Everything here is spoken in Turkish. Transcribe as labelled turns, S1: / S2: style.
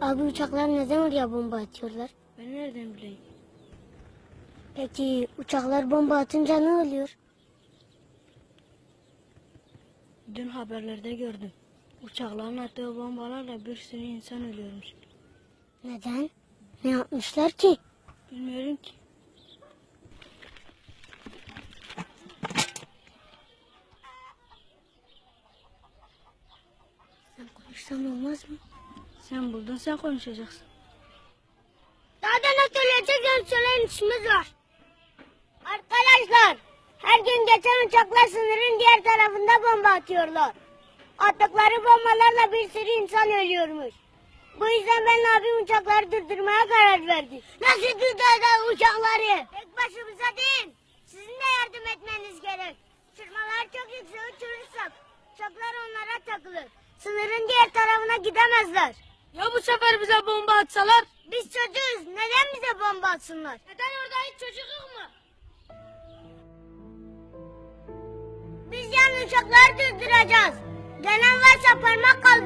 S1: Abi uçaklar neden oraya bomba atıyorlar?
S2: Ben nereden bileyim?
S1: Peki uçaklar bomba atınca ne oluyor?
S2: Dün haberlerde gördüm. Uçakların attığı bombalarla bir sürü insan ölüyormuş.
S1: Neden? Ne yapmışlar ki?
S2: Bilmiyorum ki.
S1: Sen konuşsan olmaz mı?
S2: Sen buldun, sen konuşacaksın.
S1: Daha da ne söyleyecek söyleyin işimiz var. Arkadaşlar, her gün geçen uçaklar sınırın diğer tarafında bomba atıyorlar. Attıkları bombalarla bir sürü insan ölüyormuş. Bu yüzden ben abim uçakları durdurmaya karar verdi. Nasıl durduracağız uçakları? Tek başımıza değil. Sizin de yardım etmeniz gerek. Uçurmaları çok yüksek uçurursak uçaklar onlara takılır. Sınırın diğer tarafına gidemezler.
S2: Ya bu sefer bize bomba atsalar?
S1: Biz çocuğuz. Neden bize bomba atsınlar?
S2: Neden orada hiç çocuk yok mu?
S1: Biz yan uçakları durduracağız. Gelen varsa parmak kaldır.